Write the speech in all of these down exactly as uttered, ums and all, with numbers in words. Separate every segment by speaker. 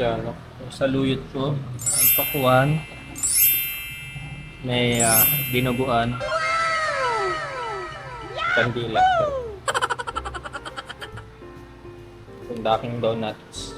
Speaker 1: Tiyanok. Sa luyot ko, may pakuan, may uh, dinuguan, kandila. Kundaking donuts.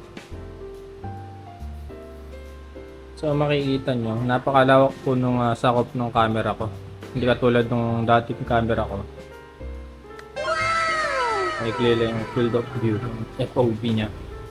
Speaker 1: So makikita nyo, napakalawak po nung uh, sakop ng camera ko. Hindi katulad nung dating camera ko. Maikli lang yung field of view, F O V niya.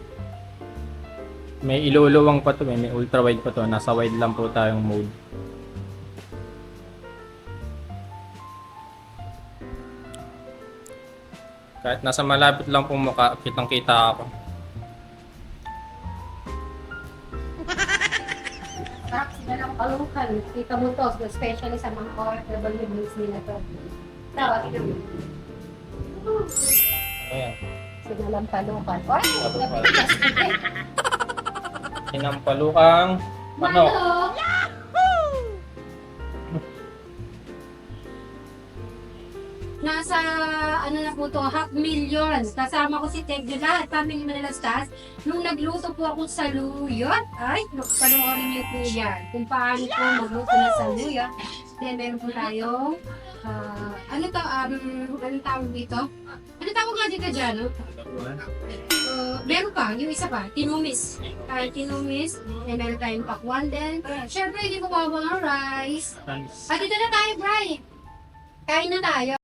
Speaker 1: May iluluwang pa to, may, may ultra wide pa to. Nasa wide lang po tayong mode. Kahit nasa malapit lang pong mukha, kitang kita ako.
Speaker 2: Sarap sila ng palukan. Kita mo to, especially sa mga O F W news nila to. Tawag ina mo.
Speaker 1: Ayan.
Speaker 2: Sinalang palukan. Oy,
Speaker 1: Palukan.
Speaker 2: napitas kita eh.
Speaker 1: Sinampalukang manok.
Speaker 2: Manok! Nasa, ano na po to, half million. Kasama ko si Tegyo lahat, family Manalastas. Nung nagluto po ako sa luyot, ay, panoorin niyo po yan. Kung paano po magluto na sa luyot. Then, meron po tayong, ah, ano to, um, anong tawag dito? Ano tawag nga dito dyan, no? Uh, meron pa, yung isa pa, tinumis. Kaya tinumis, then meron tayong pakwan din. Siyempre, hindi mo mga rice. At dito na tayo, Bri. Kain na tayo.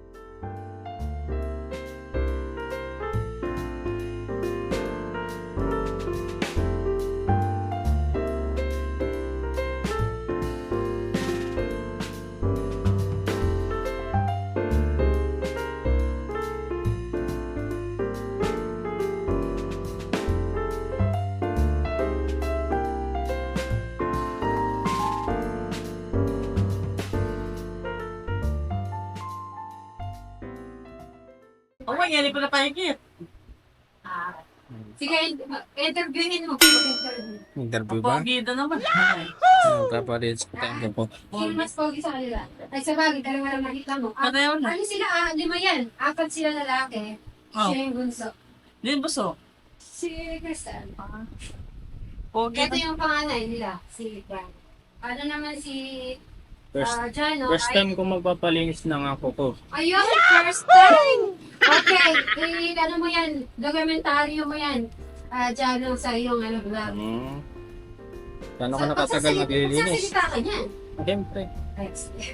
Speaker 3: Oo, oh, yan, hindi ko na pahigit.
Speaker 2: Ah, sige, interviewin mo.
Speaker 1: Interview ba?
Speaker 3: Pogi na naman.
Speaker 1: Papalit sa tayo po.
Speaker 2: Sino mas pogi sa kanila? Ay, sa bagay, dalawa lang nakita mo. Ah,
Speaker 3: Pareho na.
Speaker 2: ano sila? Ah, lima yan. Apat sila lalaki.
Speaker 3: Oh.
Speaker 2: Siya yung bunso.
Speaker 3: Din buso.
Speaker 2: Si Crystal.
Speaker 3: Pogi
Speaker 2: Ito
Speaker 3: na.
Speaker 2: yung panganay nila, si Frank. Ano naman si
Speaker 1: First,
Speaker 2: ah, Jano?
Speaker 1: first
Speaker 2: ay-
Speaker 1: time ko magpapalinis ng ako ko.
Speaker 2: Ayun, first time! Okay, eh, ano mo yan, dokumentaryo mo yan. Ah, Jano, sa iyong ano, vlog.
Speaker 1: Hmm. Paano ka
Speaker 2: So,
Speaker 1: nakatagal
Speaker 2: pagsasali-
Speaker 1: maglilinis?
Speaker 2: Pagsasalita ka niyan.
Speaker 1: Siyempre.
Speaker 2: Ay,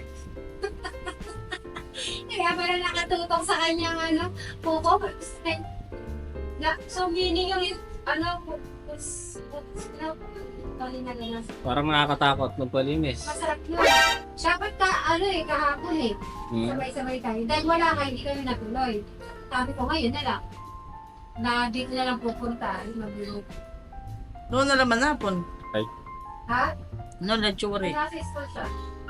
Speaker 2: kaya pala nakatutok sa kanyang ano, puko. Na, so meaning yung ano, pus, pus, ano, tali na lang.
Speaker 1: Parang nakakatakot magpalinis.
Speaker 2: Masarap yun. Siya ba't ka, ano eh, kahapon eh.
Speaker 1: Hmm.
Speaker 2: Sabay-sabay tayo. Dahil wala ka, hindi kami natuloy. Sabi ko ngayon na lang. Na dito na lang pupunta. Magulo.
Speaker 3: Noon na naman napon.
Speaker 2: Ha?
Speaker 3: Noon na tsuri.
Speaker 2: Nasa school siya.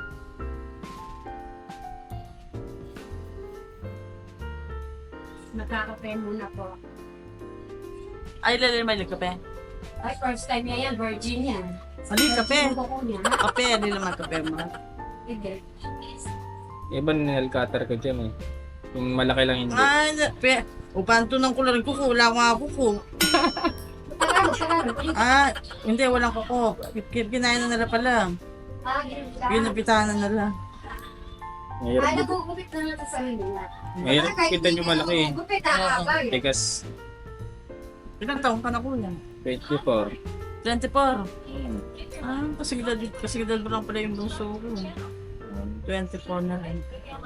Speaker 2: Magkakape muna po.
Speaker 3: Ay, lalala may kape.
Speaker 2: Ay, first time niya yan, virgin yan.
Speaker 3: Ali, kape.
Speaker 2: Yung kuko niya.
Speaker 3: Kape, hindi naman kape mo.
Speaker 2: Hindi.
Speaker 1: Iba nail cutter ko dyan eh. Yung malaki lang hindi.
Speaker 3: Ay, na- pe. Upan to ng kulang kuko. Wala ko nga kuko.
Speaker 2: Tagalog, Tagalog.
Speaker 3: Ah, hindi, walang kuko. Kin- Kinain na nila pala.
Speaker 2: Ah, yun siya.
Speaker 3: Pinapitaan na nila.
Speaker 1: Mahirap,
Speaker 2: Ay,
Speaker 1: bu-
Speaker 2: nagugupit na natin sa nila.
Speaker 1: mahirap kita nyo malaki eh.
Speaker 2: Gupit, kakabay.
Speaker 1: Tigas
Speaker 3: Ilang taong ka na kuya?
Speaker 1: twenty-four.
Speaker 3: twenty-four.
Speaker 1: Hmm.
Speaker 3: Ah, kasi gidal, kasi gidal mo lang pala yung bunso ko. twenty-four na rin.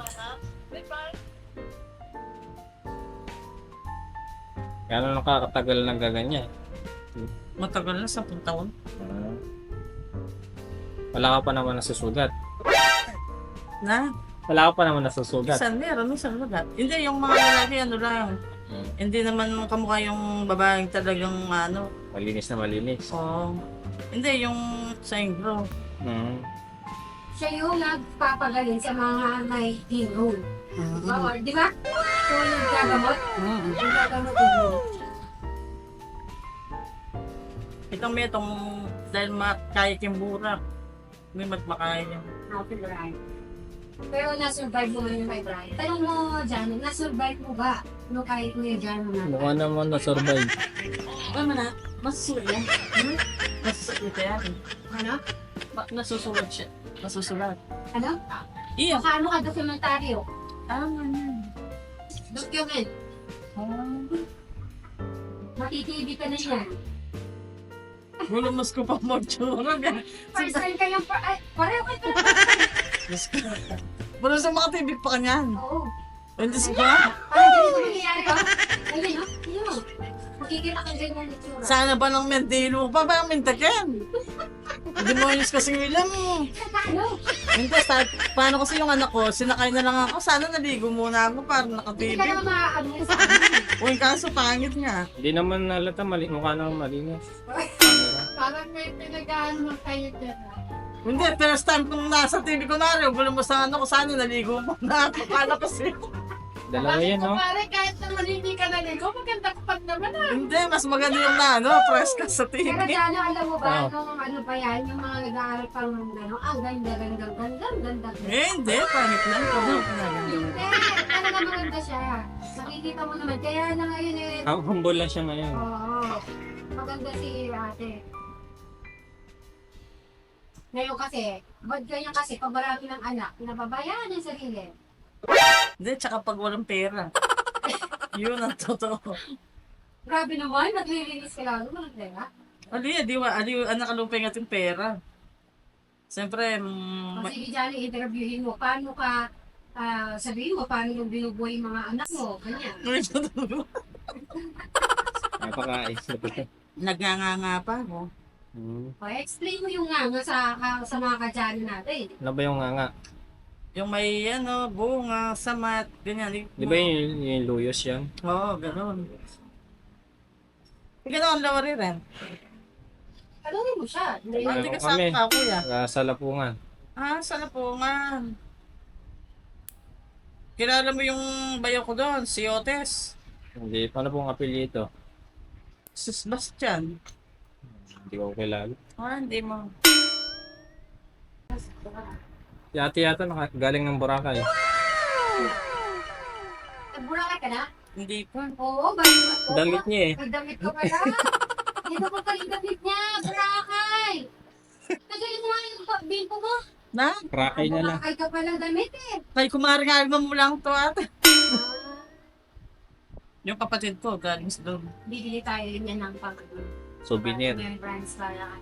Speaker 1: Kaya nakakatagal ng gaganyan.
Speaker 3: Matagal na, sampung taon.
Speaker 1: Ah. Wala ka pa naman nasusugat.
Speaker 3: Na?
Speaker 1: Wala ka pa naman nasusugat.
Speaker 3: Minsan meron, minsan wala. Hindi, yung mga lalaki, ano lang.
Speaker 1: Hmm.
Speaker 3: Hindi naman kamukha yung babaeng talagang ano.
Speaker 1: Malinis na malinis.
Speaker 3: Oh. Hindi, yung sangro.
Speaker 1: Hmm.
Speaker 2: Siya yung nagpapagaling sa mga may hingon.
Speaker 3: Mm-hmm.
Speaker 2: Oo, di ba? So, yung gagamot,
Speaker 3: Mm-hmm.
Speaker 2: yung gagamot yung
Speaker 3: Itong may itong, dahil makaya yung burak. May magmakaya yan.
Speaker 2: happy Brian. Pero na-survive mo yung kay Brian. Tanong mo, Jano, na-survive mo ba? No, kahit mo yung Jano na.
Speaker 1: Mukha naman na-survive.
Speaker 3: Ano na? Masusulat yan. Hmm? Masusulat yan.
Speaker 2: Ano?
Speaker 3: Ma- nasusulat siya. Masusulat.
Speaker 2: Ano?
Speaker 3: Iya.
Speaker 2: Baka ano ka dokumentaryo?
Speaker 3: Tama yan.
Speaker 2: Document.
Speaker 3: Ah.
Speaker 2: Mati-T V ka na yan.
Speaker 3: Gulo mas ko pa mo tsura.
Speaker 2: First time ka yung... Ay, pareho ka na.
Speaker 3: Diyos ko. Wala sa mga T V pa kanyan.
Speaker 2: Oo.
Speaker 3: Hindi sa ba?
Speaker 2: Parang ganito nangyayari ka. Ayun, no? Ayun. Makikita ka ganyan ng itsura.
Speaker 3: Sana ba ng mendilo pa ba ang mintakin? Hindi mo ayos kasi ilan mo.
Speaker 2: Ano?
Speaker 3: Hindi, sa, paano kasi yung anak ko, sinakay na lang ako. Sana naligo muna ako para
Speaker 2: Hindi
Speaker 3: naka-baby.
Speaker 2: ka naman maaano sa akin.
Speaker 3: O yung kaso, pangit nga.
Speaker 1: Hindi naman halata, mali, mukha naman malinis. Camera.
Speaker 2: Parang may pinag-ano kayo dyan.
Speaker 3: Hindi, first time kung nasa T V ko na rin, gulo mo sa ano ko, sana naligo muna ako. Kala kasi.
Speaker 1: Dalawa yan, no?
Speaker 2: Pare, kahit naman hindi ka naligo, maganda ka pa naman ah.
Speaker 3: Hindi, mas maganda yung na, ano, press ka sa T V.
Speaker 2: Pero dyan, alam mo ba,
Speaker 1: Oo.
Speaker 2: nung ano pa yan, yung mga nag-aaral pa ng gano'n, ang ganda, ganda, ganda, ganda.
Speaker 3: Eh, hindi, pangit lang.
Speaker 2: Hindi, talaga maganda siya. Nakikita mo naman, kaya na ngayon eh.
Speaker 1: Ah, humble lang siya ngayon.
Speaker 2: Oo, maganda si ate. Ngayon kasi, bad ganyan kasi, pag marami ng anak, pinababayaan yung sarili.
Speaker 3: Hindi, tsaka pag walang pera. Yun ang totoo.
Speaker 2: Grabe naman, naglilinis ka lang, walang pera.
Speaker 3: Ali, di ba, ali, anak kalupay nga yung pera. Siyempre, mm,
Speaker 2: O sige, Johnny, interviewin mo, paano ka, ah, sabihin mo, paano yung binubuhay yung mga anak mo, ganyan.
Speaker 1: Napaka-ayos na ito.
Speaker 3: Nagnganga pa ako.
Speaker 1: Hmm.
Speaker 2: O, explain mo yung nga nga sa, ka- sa mga ka-Johnny natin.
Speaker 1: Ano ba yung nga nga?
Speaker 3: Yung may ano, bunga, samat, ganyan.
Speaker 1: Di ba yung, yung luyos yan?
Speaker 3: Oo, gano'n. Gano'n ang lawari rin.
Speaker 2: Ano rin mo siya? Hindi.
Speaker 1: Ano
Speaker 3: Hindi ka
Speaker 1: kami?
Speaker 3: sa kuya.
Speaker 1: Uh, sa Lapungan.
Speaker 3: Ah, sa Lapungan. Kilala mo yung bayo ko doon, si Otes.
Speaker 1: Hindi, paano pong apelyido?
Speaker 3: Si Sebastian.
Speaker 1: Hindi ko kilala.
Speaker 3: Ah, hindi mo.
Speaker 1: Si ate yata naka, galing ng Boracay.
Speaker 2: Nagburakay ka na?
Speaker 3: Hindi pa.
Speaker 2: Oo, balik mo.
Speaker 1: Damit niya eh.
Speaker 2: May damit ka pala. Dito ko pa yung damit niya, Boracay. Tagalin mo nga yung bimpo mo.
Speaker 3: Na?
Speaker 1: Rakay na lang.
Speaker 2: Boracay ka pala damit eh.
Speaker 3: Kay kumaring album mo lang to ate.
Speaker 2: Ah,
Speaker 3: Yung kapatid ko, galing sa doon.
Speaker 2: bibili tayo rin yan ng pag
Speaker 1: Souvenir.
Speaker 2: Yung brands para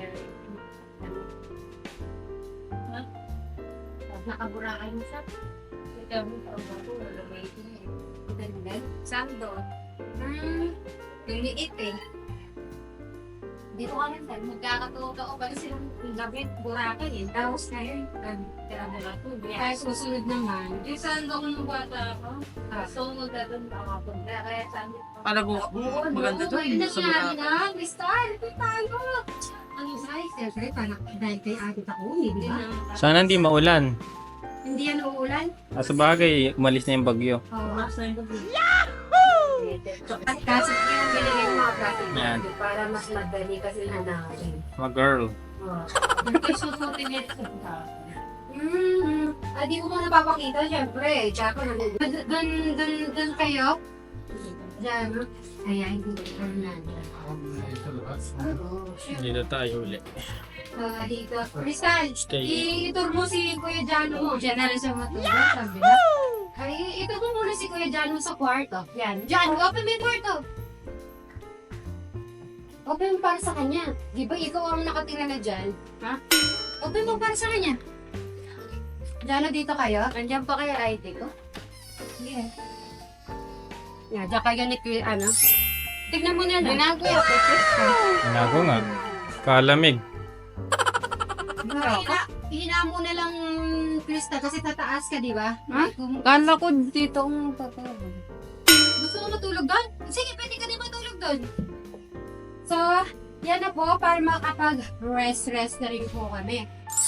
Speaker 2: nakaburakay mo siya. Ikaw mo pa ba ko, wala may ito eh. Ganda. Sando. Hmm, yung liit eh. Dito ka lang saan, magkakatuto ko kasi silang labit, Boracay eh. Tapos na yun, tira mo lang ito. Kaya susunod naman, yung sando ko nung bata ako, so magdadun pa ako punta. Kaya sando ko.
Speaker 3: Palago, maganda to.
Speaker 2: Ayun na
Speaker 3: Sa
Speaker 2: sinabi
Speaker 3: Boracay.
Speaker 2: na, Crystal, ito tayo. Ang isay, siyempre, parang dahil kay atit ako, hindi ba?
Speaker 1: Sana hindi maulan.
Speaker 2: Hindi yan uulan.
Speaker 1: Ah, sa bagay, umalis na yung bagyo.
Speaker 2: Oo.
Speaker 3: Yahoo!
Speaker 2: At kasi yung binigay yung mga plastic
Speaker 1: Yan.
Speaker 2: bag para mas madali kasi hanapin.
Speaker 1: Mga girl.
Speaker 2: Oo. Yung susutin nito. Hmm. Ah, di ko muna papakita, syempre. Tsaka na. Doon, doon, doon kayo. Diyan. Kaya hindi ko na. Oo. Syempre.
Speaker 1: Dito tayo ulit.
Speaker 2: Ah, dito. Crystal,
Speaker 1: Stay.
Speaker 2: i-tour mo si Kuya Jano mo. Diyan na rin siya matulog. Sabi na. Ay, ito mo muna si Kuya Jano sa kwarto. Yan. Jan, open mo yung kwarto. Open mo para sa kanya. Di ba ikaw ang nakatira na dyan? Ha? Open mo para sa kanya. Jano, dito kayo? Andiyan pa kaya I D ko? Yeah. Yan, dyan kayo ni Kuya, ano? Tignan mo na lang. Binago yan.
Speaker 1: Inago nga. Kalamig.
Speaker 2: Hina, hina mo na lang, Krista, kasi tataas ka, di ba?
Speaker 4: Ha?
Speaker 2: Kung
Speaker 4: Kala ko dito ang tatawag.
Speaker 2: gusto mo matulog doon? Sige, pwede ka din matulog doon. So, yan na po, para makapag-rest-rest na rin po kami.